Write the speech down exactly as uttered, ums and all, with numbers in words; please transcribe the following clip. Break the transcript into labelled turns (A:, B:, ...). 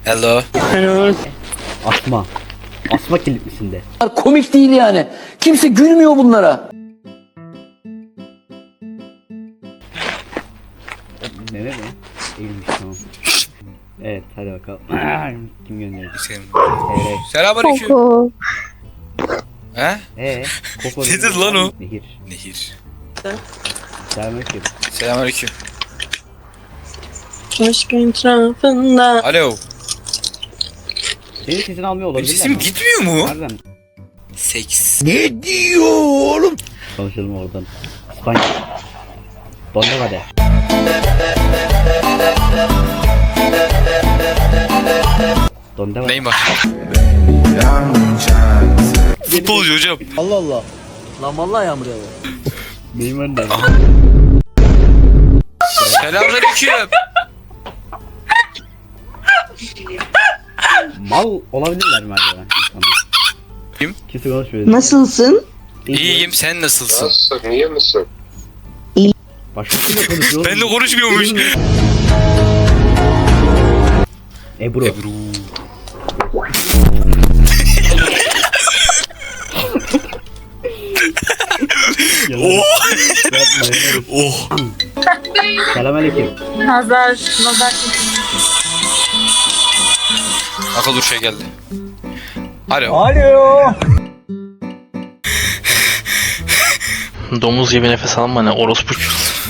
A: Hello.
B: Hello.
C: Asma. Asma kilitlisinde.
D: Komik değil yani. Kimse gülmüyor bunlara.
C: Mehmet mi? Eğilmiş tamam. Evet hadi bakalım. Kim gönderdi?
A: Selam.
C: Evet.
A: Selamünaleyküm.
E: Koko.
A: He?
C: Eee? Koko
A: Ne dedi lan o?
C: Nehir.
A: Nehir.
C: Selamünaleyküm.
A: Selamünaleyküm.
B: Aşk etrafında.
A: Alo.
C: Senin sesini almıyor
A: Benim
C: olabilirler
A: sesim
C: mi?
A: gitmiyor mu?
C: Nereden?
A: Seks. Ne diyor oğlum?
C: Konuşalım oradan. İspanya. Donda hadi. Donda hadi.
A: Neymar. Futbolcu hocam.
D: Allah Allah. Lan vallahi yağmur yağıyor.
C: Neymar ne?
A: Selamünaleyküm.
C: Mal olabilirler mi acaba insanlar?
A: Kim?
C: Kimse konuşmuyor.
E: Nasılsın?
A: İyiyim, sen nasılsın?
F: Nasılsın? İyi misin?
C: Başkasıyla konuşuyor.
A: Ben de konuşmuyormuş.
C: Ebru.
A: Ebru. Oh. Oh.
C: Selamünaleyküm.
B: Nazar. Nazar.
A: Akıl dur şey geldi. Alo.
D: Alo.
G: Domuz gibi nefes alma ne orospu.